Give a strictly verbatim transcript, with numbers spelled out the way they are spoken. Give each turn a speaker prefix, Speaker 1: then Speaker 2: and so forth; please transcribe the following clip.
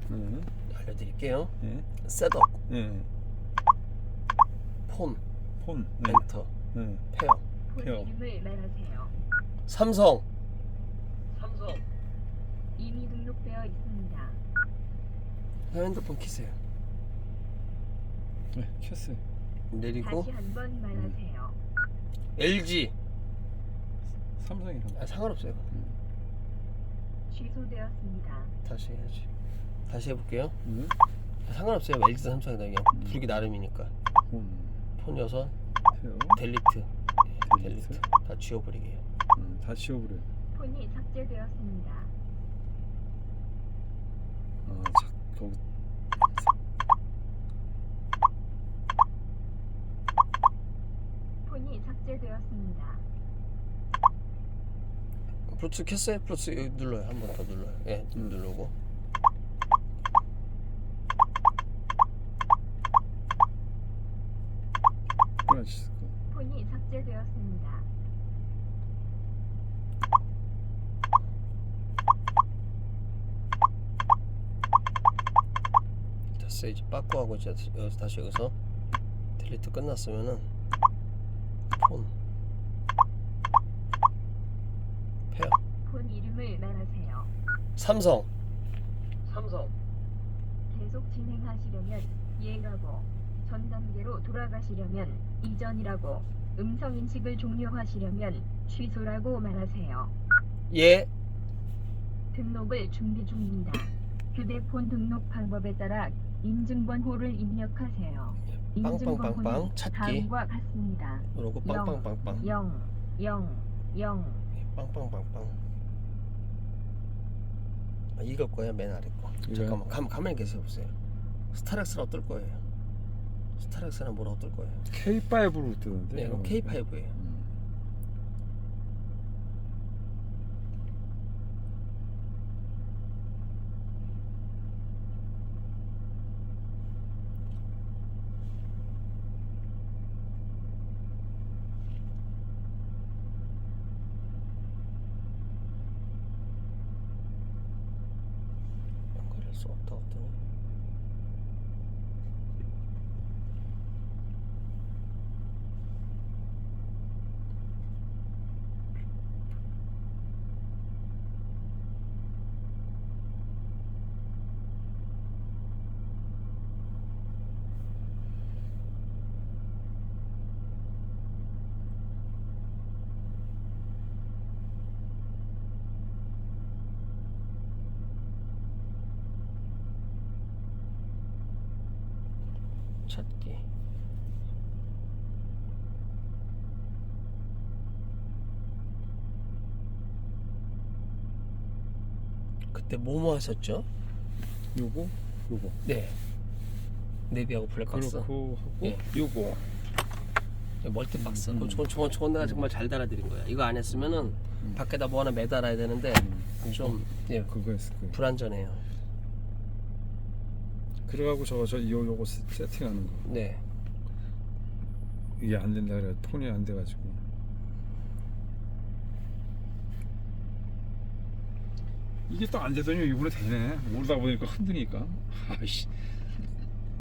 Speaker 1: 네.
Speaker 2: 알려드릴게요.
Speaker 1: 네.
Speaker 2: 셋업,
Speaker 1: 네.
Speaker 2: 폰,
Speaker 1: 폰. 네.
Speaker 2: 엔터,
Speaker 1: 네.
Speaker 2: 페어.
Speaker 3: 폰
Speaker 1: 페어.
Speaker 3: 이름을 말하세요.
Speaker 2: 삼성. 삼성.
Speaker 3: 이미 등록되어 있습니다.
Speaker 2: 핸드폰 키세요.
Speaker 1: 네. 켰어요.
Speaker 2: 내리고
Speaker 3: 다시 한번 말하세요.
Speaker 2: 엘지.
Speaker 1: 삼성이랑.
Speaker 2: 아, 상관없어요.
Speaker 1: 음.
Speaker 3: 취소되었습니다.
Speaker 2: 다시 해야지. 다시 해볼게요.
Speaker 1: 네.
Speaker 2: 상관없어요. 엘지든 삼성이든 그냥
Speaker 1: 음.
Speaker 2: 부르기 나름이니까.
Speaker 1: 폰.
Speaker 2: 폰 여섯,
Speaker 1: 페어.
Speaker 2: 델리트. 예,
Speaker 1: 델리트.
Speaker 2: 델리트. 다 지워버리게요.
Speaker 1: 음, 다 지워버려요.
Speaker 3: 폰이 삭제되었습니다.
Speaker 1: 아, 자, 거기.
Speaker 3: 폰이 삭제되었습니다.
Speaker 2: 블루투스 켰어요? 블루투스 여기 눌러요. 한 번 더 눌러요. 예,
Speaker 1: 음.
Speaker 2: 누르고.
Speaker 1: 끊어지실 거.
Speaker 3: 폰이 삭제되었습니다.
Speaker 2: 됐어요. 이제 빠꾸하고 이제 여기서 다시 여기서 델리트 끝났으면은 폰 페어
Speaker 3: 폰 이름을 말하세요.
Speaker 2: 삼성 삼성
Speaker 3: 계속 진행하시려면 예라고, 전 단계로 돌아가시려면 이전이라고, 음성 인식을 종료하시려면 취소라고 말하세요.
Speaker 2: 예
Speaker 3: 등록을 준비 중입니다. 휴대폰 등록 방법에 따라 인증번호를 입력하세요.
Speaker 2: 빵빵빵빵
Speaker 3: 인증번호는
Speaker 2: 찾기
Speaker 3: 다음과 같습니다.
Speaker 2: 누르고 빵빵빵빵
Speaker 3: 영, 영, 영.
Speaker 2: 빵빵빵빵 아, 이걸 거야 맨 아래 거
Speaker 1: 이거요?
Speaker 2: 잠깐만 가, 가만히 계세요 보세요. 스타렉스는 어떨 거예요? 스타렉스는 뭐라 어떨 거예요?
Speaker 1: 케이 파이브로 뜨는데.
Speaker 2: 네 이건 케이 파이브예요.
Speaker 1: 음.
Speaker 2: 연결할 수 없다 어떠니? 찾기 그때 뭐뭐 하셨죠?
Speaker 1: 요거, 요거.
Speaker 2: 네 네비하고 블랙박스
Speaker 1: 그렇고 하고
Speaker 2: 예.
Speaker 1: 요거.
Speaker 2: 멀티박스
Speaker 1: 음.
Speaker 2: 저건 저건 저건 내가 정말 잘 달아드린 거야. 이거 안 했으면은
Speaker 1: 음.
Speaker 2: 밖에다 뭐 하나 매달아야 되는데
Speaker 1: 음.
Speaker 2: 좀 예,
Speaker 1: 그거 했을 거예요.
Speaker 2: 불안전해요.
Speaker 1: 그래가지고 저 저 요 요거 세- 세팅하는 거.
Speaker 2: 네
Speaker 1: 이게 안 된다 그래. 폰이 안 돼가지고. 이게 또 안 되더니 이번에 되네. 오르다 보니까 흔드니까. 아이씨.